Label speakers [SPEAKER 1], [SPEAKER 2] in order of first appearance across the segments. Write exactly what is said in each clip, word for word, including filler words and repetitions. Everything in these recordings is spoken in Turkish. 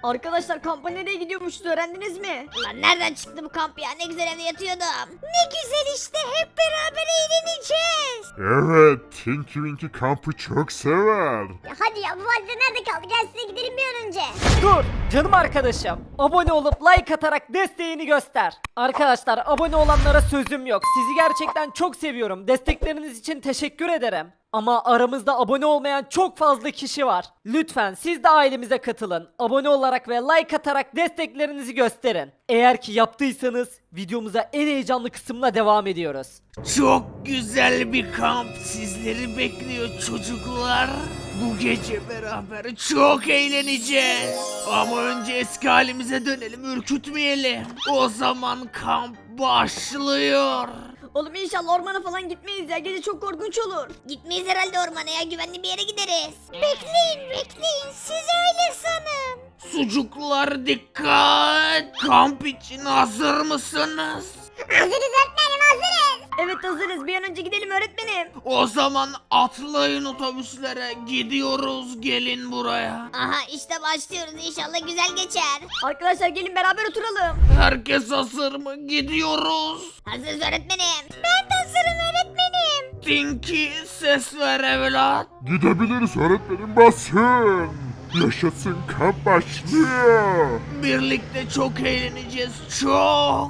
[SPEAKER 1] Arkadaşlar kampa nereye gidiyormuşuz öğrendiniz mi?
[SPEAKER 2] Lan nereden çıktı bu kamp ya? Ne güzel evde yatıyordum. Ne güzel işte, hep beraber eğleneceğiz.
[SPEAKER 3] Evet, Tinky Winky kampı çok sever.
[SPEAKER 2] Ya hadi ya, bu valide nerede kaldı? Gel size gidelim bir an önce.
[SPEAKER 4] Dur canım arkadaşım. Abone olup like atarak desteğini göster. Arkadaşlar abone olanlara sözüm yok. Sizi gerçekten çok seviyorum. Destekleriniz için teşekkür ederim. Ama aramızda abone olmayan çok fazla kişi var. Lütfen siz de ailemize katılın. Abone olarak ve like atarak desteklerinizi gösterin. Eğer ki yaptıysanız videomuza en heyecanlı kısımla devam ediyoruz.
[SPEAKER 5] Çok güzel bir kamp sizleri bekliyor çocuklar. Bu gece beraber çok eğleneceğiz. Ama önce eski halimize dönelim, ürkütmeyelim. O zaman kamp başlıyor.
[SPEAKER 1] Oğlum inşallah ormana falan gitmeyiz ya. Gece çok korkunç olur.
[SPEAKER 2] Gitmeyiz herhalde ormana ya, güvenli bir yere gideriz. Bekleyin bekleyin, siz öyle sanın.
[SPEAKER 5] Sucuklar dikkat. Kamp için hazır mısınız?
[SPEAKER 2] Hazırız öğretmenim, hazırız.
[SPEAKER 1] Evet hazırız. Bir an önce gidelim öğretmenim.
[SPEAKER 5] O zaman atlayın otobüslere, gidiyoruz, gelin buraya.
[SPEAKER 2] Aha işte başlıyoruz, inşallah güzel geçer.
[SPEAKER 1] Arkadaşlar gelin beraber oturalım.
[SPEAKER 5] Herkes hazır mı? Gidiyoruz.
[SPEAKER 2] Hazırız öğretmenim. Ben de hazırım öğretmenim.
[SPEAKER 5] Tinky ses ver evlat.
[SPEAKER 3] Gidebiliriz öğretmenim, basın. Yaşasın, kamp başlıyor.
[SPEAKER 5] Birlikte çok eğleneceğiz, çok.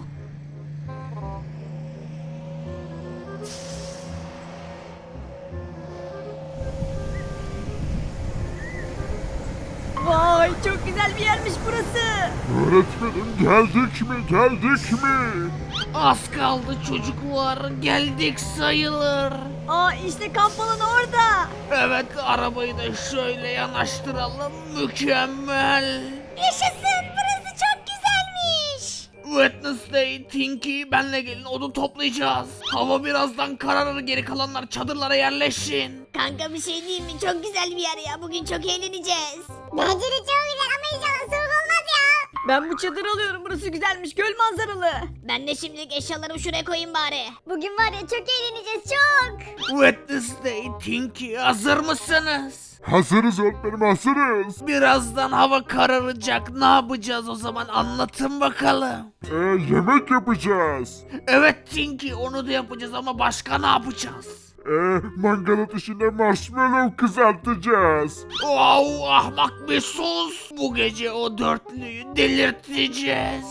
[SPEAKER 1] Vay çok güzel bir yermiş burası.
[SPEAKER 3] Öğretmenim, geldik mi geldik mi?
[SPEAKER 5] Az kaldı çocuklar, geldik sayılır.
[SPEAKER 1] Aa işte kamp alanı orada.
[SPEAKER 5] Evet, arabayı da şöyle yanaştıralım, mükemmel.
[SPEAKER 2] Yaşasın, burası çok güzelmiş.
[SPEAKER 5] Wednesday, Tinky, benle gelin, odun toplayacağız. Hava birazdan kararır, geri kalanlar çadırlara yerleşin.
[SPEAKER 2] Kanka bir şey değil mi? Çok güzel bir yer ya. Bugün çok eğleneceğiz. Bence de çok güzel ama inşallah soğuk olmaz ya.
[SPEAKER 1] Ben bu çadırı alıyorum. Burası güzelmiş. Göl manzaralı.
[SPEAKER 2] Ben de şimdilik eşyalarımı şuraya koyayım bari. Bugün var ya çok eğleneceğiz çok.
[SPEAKER 5] Wednesday, Tinky, hazır mısınız?
[SPEAKER 3] Hazırız öğretmenim, hazırız.
[SPEAKER 5] Birazdan hava kararacak, ne yapacağız o zaman, anlatın bakalım.
[SPEAKER 3] Ee, yemek yapacağız.
[SPEAKER 5] Evet Tinky, onu da yapacağız ama başka ne yapacağız?
[SPEAKER 3] Ee, mangal ateşinde marshmallow kızartacağız.
[SPEAKER 5] Wow, ahmak bir sus. Bu gece o dörtlüyü delirteceğiz.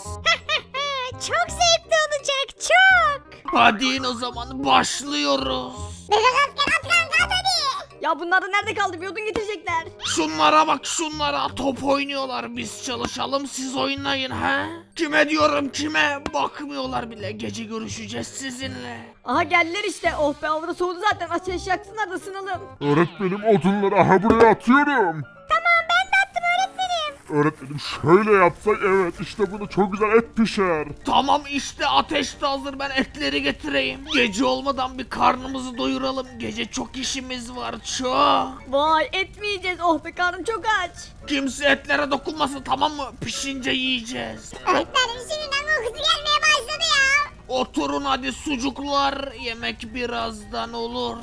[SPEAKER 2] Çok zevkli olacak çok.
[SPEAKER 5] Hadi in o zaman, başlıyoruz.
[SPEAKER 2] Bebek asker at kanka at hadi.
[SPEAKER 1] Ya bunlar da nerede kaldı? Bir odun getirecekler.
[SPEAKER 5] Şunlara bak, şunlara top oynuyorlar, biz çalışalım siz oynayın ha? Kime diyorum, kime? Bakmıyorlar bile, gece görüşeceğiz sizinle.
[SPEAKER 1] Aha geldiler işte. Oh be hava soğudu zaten. Ateş yaksınlar da ısınalım.
[SPEAKER 3] Öğretmenim, odunları aha buraya atıyorum.
[SPEAKER 2] Tamam ben de attım öğretmenim.
[SPEAKER 3] Öğretmenim, şöyle yapsak, evet işte bunu çok güzel et pişer.
[SPEAKER 5] Tamam işte, ateş de hazır, ben etleri getireyim. Gece olmadan bir karnımızı doyuralım, gece çok işimiz var, çok.
[SPEAKER 1] Vay et mi yiyeceğiz? Oh be karnım çok aç.
[SPEAKER 5] Kimse etlere dokunmasın, tamam mı? Pişince yiyeceğiz.
[SPEAKER 2] Öğretmenim şimdiden kokusu gelmeye başladı ya.
[SPEAKER 5] Oturun hadi sucuklar, yemek birazdan olur.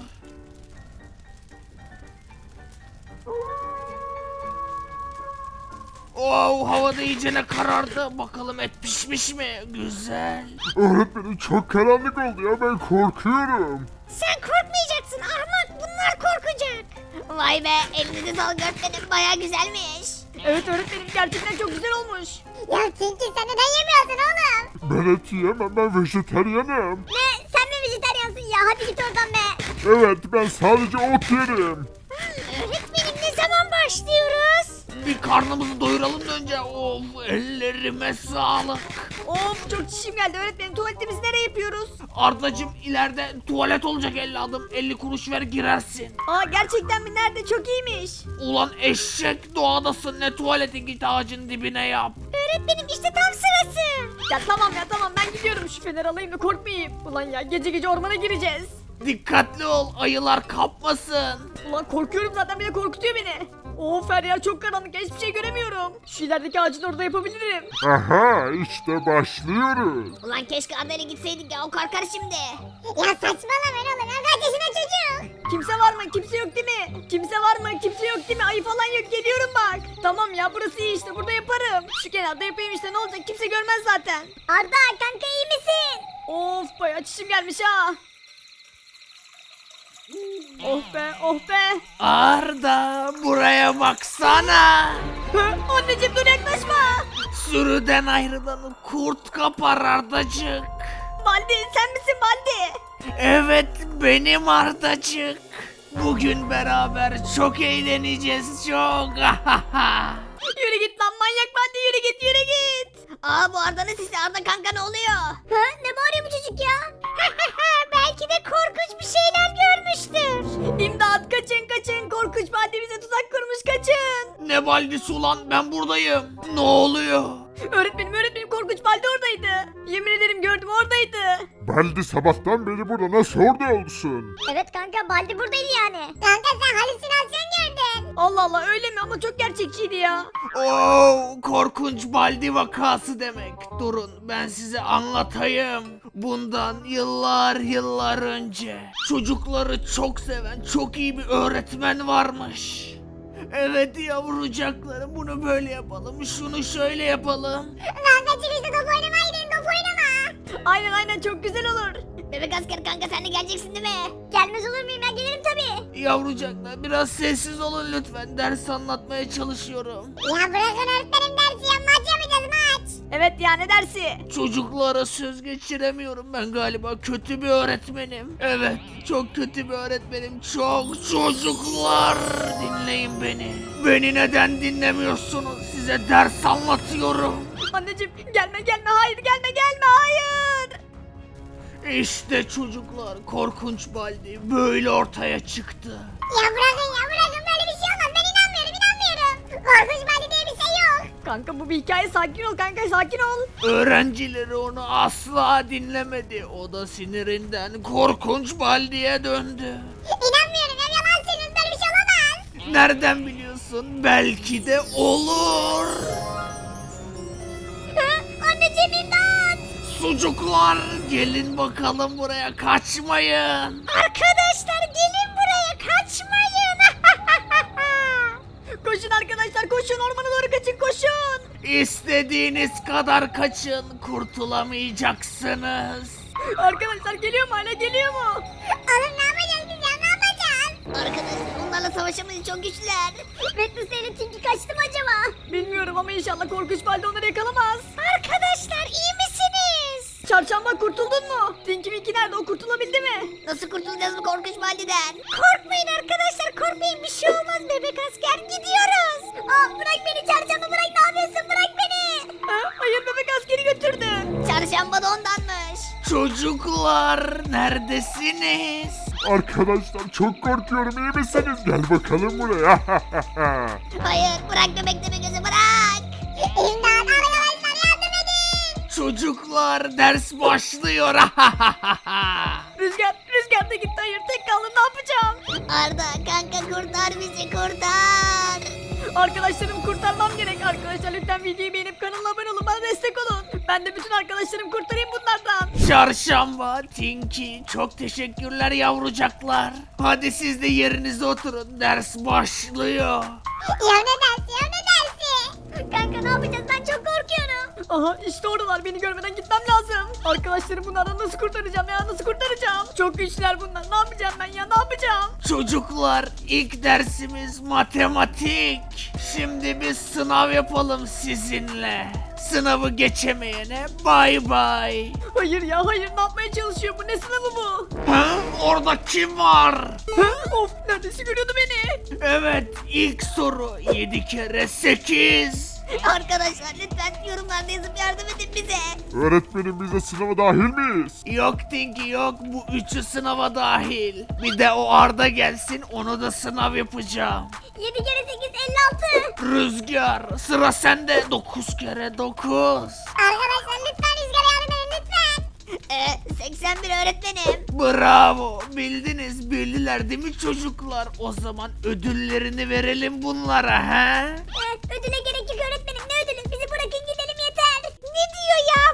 [SPEAKER 5] Wow, havada iyicene karardı. Bakalım et pişmiş mi? Güzel.
[SPEAKER 3] Öğretmenim, çok karanlık oldu ya, ben korkuyorum.
[SPEAKER 2] Sen korkmayacaksın ahmak, bunlar korkacak. Vay be, elinize sağlık öğretmenim, baya güzelmiş.
[SPEAKER 1] Evet öğretmenim gerçekten çok güzel olmuş.
[SPEAKER 2] Ya Tinky sen neden yemiyorsun oğlum?
[SPEAKER 3] Ben et yiyemem, ben vejeteryanım.
[SPEAKER 2] Ne? Sen mi vejetaryansın ya? Hadi git oradan be.
[SPEAKER 3] Evet, ben sadece ot yerim.
[SPEAKER 2] Öğretmenim ne zaman başlıyoruz?
[SPEAKER 5] Bir karnımızı doyuralım da önce. Of, ellerime sağlık.
[SPEAKER 1] Of çok çişim geldi öğretmenim. Tuvaletimizi nereye yapıyoruz?
[SPEAKER 5] Ardacım, ileride tuvalet olacak, elli adım, elli kuruş ver girersin.
[SPEAKER 1] Aa gerçekten mi? Nerede? Çok iyiymiş.
[SPEAKER 5] Ulan eşek, doğadasın, ne tuvaleti, git ağacın dibine yap.
[SPEAKER 2] Öğretmenim işte tam sırası.
[SPEAKER 1] Ya tamam ya tamam ben gidiyorum. Şu feneri alayım da korkmayayım. Ulan ya gece gece ormana gireceğiz.
[SPEAKER 5] Dikkatli ol, ayılar kapmasın.
[SPEAKER 1] Ulan korkuyorum zaten bir de korkutuyor beni. Of her yer çok karanlık ya, hiçbir şey göremiyorum. Şu ilerideki ağacın orada yapabilirim.
[SPEAKER 3] Aha, işte başlıyoruz.
[SPEAKER 2] Ulan keşke Arda'yla gitseydik ya, o korkar şimdi. Ya saçmalama ne olur, kaç yaşında çocuk.
[SPEAKER 1] Kimse var mı? Kimse yok değil mi? Kimse var mı? Kimse yok değil mi? Ayı falan yok, geliyorum bak. Tamam ya burası iyi işte, burada yaparım. şu kenarda yapayım işte, ne olacak, kimse görmez zaten.
[SPEAKER 2] Arda kanka iyi misin?
[SPEAKER 1] Of bayağı çişim gelmiş ha. Oh be oh be.
[SPEAKER 5] Arda buraya baksana.
[SPEAKER 1] Hı, anneciğim dur yaklaşma.
[SPEAKER 5] Sürüden ayrılanı kurt kapar Ardacık.
[SPEAKER 1] Baldi sen misin Baldi?
[SPEAKER 5] Evet benim Ardacık. Bugün beraber çok eğleneceğiz çok.
[SPEAKER 1] Yürü git lan manyak Baldi, yürü git yürü git.
[SPEAKER 2] Aa bu Arda'nın sesi. Arda kanka ne oluyor? Ha ne bağırıyor bu çocuk ya? Belki de korkunç bir şeyler görmüştür.
[SPEAKER 1] İmdat kaçın kaçın, korkunç Baldi bize tuzak kurmuş, kaçın.
[SPEAKER 5] Ne baldisi ulan ben buradayım. Ne oluyor?
[SPEAKER 1] Öğretmenim öğretmenim korkunç Baldi oradaydı. Yemin ederim gördüm oradaydı.
[SPEAKER 3] Baldi sabahtan beri burada, nasıl orada olsun?
[SPEAKER 2] Evet kanka Baldi buradaydı yani. Kanka sen halüsinasyon gördün.
[SPEAKER 1] Allah Allah öyle mi, ama çok gerçekçiydi ya.
[SPEAKER 5] Oo, korkunç baldi vakası demek. Durun ben size anlatayım. Bundan yıllar yıllar önce çocukları çok seven çok iyi bir öğretmen varmış. Evet yavrucaklarım, bunu böyle yapalım, şunu şöyle yapalım.
[SPEAKER 2] Kankacım işte top oynamaya gidelim, top oynama.
[SPEAKER 1] Aynen aynen çok güzel olur.
[SPEAKER 2] Bebek asker kanka sen de geleceksin değil mi? Gelmez olur muyum, ben gelirim tabii.
[SPEAKER 5] Yavrucaklar biraz sessiz olun lütfen, ders anlatmaya çalışıyorum.
[SPEAKER 2] Ya bırakın öğretmenim dersi ya, maç yapacağız maç.
[SPEAKER 1] Evet ya, ne dersi?
[SPEAKER 5] Çocuklara söz geçiremiyorum, ben galiba kötü bir öğretmenim. Evet çok kötü bir öğretmenim, çok. Çocuklar dinleyin beni. Beni neden dinlemiyorsunuz? Size ders anlatıyorum.
[SPEAKER 1] Anneciğim gelme gelme, hayır gelme gelme, hayır.
[SPEAKER 5] İşte çocuklar, korkunç baldi böyle ortaya çıktı.
[SPEAKER 2] Ya bırakın ya bırakın, böyle bir şey olmaz, ben inanmıyorum inanmıyorum. Korkunç Baldi diye bir şey yok.
[SPEAKER 1] Kanka bu bir hikaye, sakin ol kanka sakin ol.
[SPEAKER 5] Öğrencileri onu asla dinlemedi. O da sinirinden korkunç baldiye döndü.
[SPEAKER 2] İnanmıyorum ya, yalan söylüyorsun, böyle bir şey olamaz.
[SPEAKER 5] Nereden biliyorsun? Belki de olur.
[SPEAKER 2] Hı? Anneciğim imdat.
[SPEAKER 5] Sucuklar gelin bakalım buraya, kaçmayın.
[SPEAKER 2] Arkadaşlar gelin buraya, kaçmayın.
[SPEAKER 1] Koşun arkadaşlar koşun, ormana doğru kaçın koşun.
[SPEAKER 5] İstediğiniz kadar kaçın, kurtulamayacaksınız.
[SPEAKER 1] Arkadaşlar geliyor mu, hala geliyor mu?
[SPEAKER 2] Oğlum ne yapacağız biz ya, ne yapacağız? Arkadaşlar onlarla savaşamayız, çok güçlüler. Rednus ile Tinky kaçtı mı acaba?
[SPEAKER 1] Bilmiyorum ama inşallah korkunç Baldi onları yakalamaz.
[SPEAKER 2] Arkadaşlar iyi misiniz?
[SPEAKER 1] Çarşamba kurtuldun mu? Tinky Winky nerede, o kurtulabildi mi?
[SPEAKER 2] Nasıl kurtulacağız bu korkunç Baldi'den? Korkmayın arkadaşlar, korkmayın, bir şey olmaz, bebek asker gidiyoruz. Aa bırak beni çarşamba, bırak, ne yapıyorsun, bırak beni.
[SPEAKER 1] Ha, hayır bebek askeri götürdü.
[SPEAKER 2] Çarşamba da ondanmış.
[SPEAKER 5] Çocuklar neredesiniz?
[SPEAKER 3] Arkadaşlar çok korkuyorum, iyi misiniz? Gel bakalım buraya.
[SPEAKER 2] Hayır bırak bebek deme gözü, bırak. İmdat arkadaşlar, yardım edin.
[SPEAKER 5] Çocuklar ders başlıyor.
[SPEAKER 1] Rüzgar, Rüzgar da gitti, hayır tek kaldım, ne yapacağım?
[SPEAKER 2] Arda kanka kurtar bizi, kurtar.
[SPEAKER 1] Arkadaşlarımı kurtarmam gerek. Arkadaşlar lütfen videoyu beğenip kanala abone olun, bana destek olun. Ben de bütün arkadaşlarımı kurtarayım bunlardan.
[SPEAKER 5] Çarşamba, Tinky, çok teşekkürler yavrucaklar. Hadi siz de yerinize oturun, ders başlıyor.
[SPEAKER 2] Ya ne dersi ya ne dersi? Kanka ne yapacağız, ben çok korkuyorum.
[SPEAKER 1] Aha işte oradalar, beni görmeden gitmem lazım. Arkadaşlarım bunlardan nasıl kurtaracağım ya, nasıl kurtaracağım? Çok güçlüler bunlar, ne yapacağım ben ya, ne yapacağım?
[SPEAKER 5] Çocuklar ilk dersimiz matematik. Şimdi bir sınav yapalım sizinle. Sınavı geçemeyene bay bay.
[SPEAKER 1] Hayır ya hayır, ne yapmaya çalışıyor bu, ne sınavı bu?
[SPEAKER 5] Ha? Orada kim var?
[SPEAKER 1] Hı? Of neredeyse görüyordu beni.
[SPEAKER 5] Evet ilk soru yedi kere sekiz.
[SPEAKER 2] Arkadaşlar lütfen yorumlarda yazıp yardım edin bize.
[SPEAKER 3] Öğretmenim, biz de sınava dahil miyiz?
[SPEAKER 5] Yok Tinky yok, bu üçü sınava dahil. Bir de o Arda gelsin, onu da sınav yapacağım.
[SPEAKER 2] yedi kere sekiz elli altı.
[SPEAKER 5] Rüzgar sıra sende, dokuz kere dokuz.
[SPEAKER 2] Arkadaşlar lütfen Rüzgar'a yardım edin lütfen. Ee, seksen bir öğretmenim.
[SPEAKER 5] Bravo, bildiniz, bildiler değil mi çocuklar? O zaman ödüllerini verelim bunlara ha?
[SPEAKER 2] Ee, ödüle gerek yok öğretmenim, ne ödülü, bizi bırakın gidelim yeter. Ne diyor ya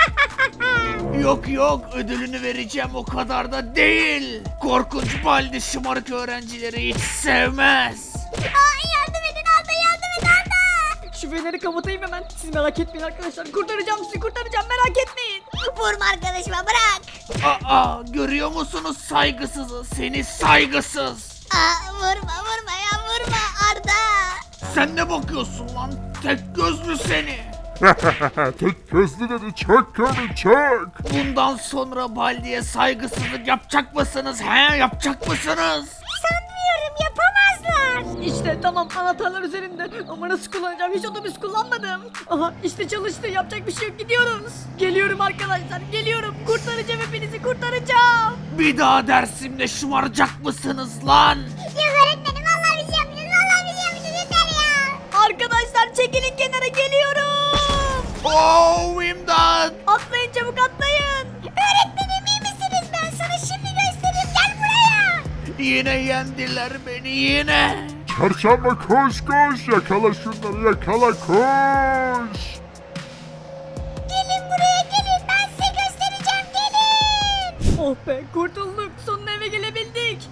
[SPEAKER 2] bu?
[SPEAKER 5] Yok yok, ödülünü vereceğim, o kadar da değil. Korkunç baldi şımarık öğrencileri hiç sevmez.
[SPEAKER 2] Aa, yardım edin Arda, yardım et Arda.
[SPEAKER 1] Şu Şu feneri kapatayım hemen. Siz merak etmeyin arkadaşlar. Kurtaracağım sizi kurtaracağım merak etmeyin.
[SPEAKER 2] Vurma arkadaşıma bırak.
[SPEAKER 5] Aa, görüyor musunuz saygısızı? Seni saygısız.
[SPEAKER 2] Aa, vurma vurma ya vurma Arda.
[SPEAKER 5] Sen ne bakıyorsun lan? Tek gözlü seni.
[SPEAKER 3] Tek gözlü dedi çok komik çok.
[SPEAKER 5] Bundan sonra Baldi'ye saygısızlık yapacak mısınız? He, yapacak mısınız?
[SPEAKER 2] Sanmıyorum yapamazlar.
[SPEAKER 1] İşte tamam anahtarlar üzerinde. Ama nasıl kullanacağım hiç otobüs kullanmadım. Aha işte çalıştı yapacak bir şey yok gidiyoruz. Geliyorum arkadaşlar geliyorum. Kurtaracağım hepinizi kurtaracağım.
[SPEAKER 5] Bir daha dersimde şımaracak mısınız lan?
[SPEAKER 2] Yok öğretmenim vallahi bir şey yapmayacağız vallahi bir şey yapmayacağız yeter ya.
[SPEAKER 1] Arkadaşlar çekilin kenara geliyorum.
[SPEAKER 5] Oh, imdat!
[SPEAKER 1] Atlayın çabuk atlayın.
[SPEAKER 2] Öğretmenim iyi misiniz ben sana şimdi göstereyim gel buraya.
[SPEAKER 5] Yine yendiler beni yine.
[SPEAKER 3] Çarşamba koş koş yakala şunları yakala koş.
[SPEAKER 2] Gelin buraya gelin ben size göstereceğim gelin.
[SPEAKER 1] Oh be kurtulduk sonunda eve gelebildik.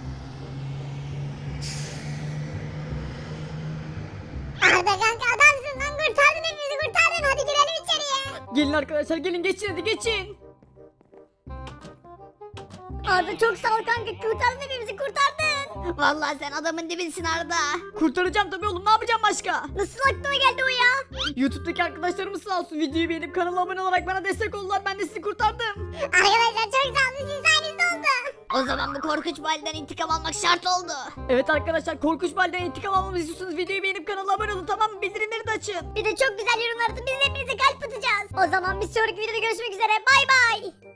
[SPEAKER 2] Arda kanka adamsın lan kurtardın hepimizi kurtardın hadi girelim içeriye.
[SPEAKER 1] Gelin arkadaşlar gelin geçin hadi geçin.
[SPEAKER 2] Arda çok sağ ol kanka kurtardın hepimizi kurtardın. Vallahi sen adamın dibisin Arda.
[SPEAKER 1] Kurtaracağım tabii oğlum ne yapacağım başka?
[SPEAKER 2] Nasıl aklına geldi o ya?
[SPEAKER 1] YouTube'daki arkadaşlarımız sağ olsun videoyu beğenip kanala abone olarak bana destek oldular ben de sizi kurtardım.
[SPEAKER 2] Arkadaşlar çok sağ olun siz sayenizde oldu. O zaman bu korkunç validen intikam almak şart oldu.
[SPEAKER 1] Evet arkadaşlar korkunç balden intikam almamızı istiyorsanız videoyu beğenip kanala abone olun tamam mı? Bildirimleri de açın.
[SPEAKER 2] Bir de çok güzel yorumlar atın biz hepinize kalp atacağız. O zaman bir sonraki videoda görüşmek üzere bay bay.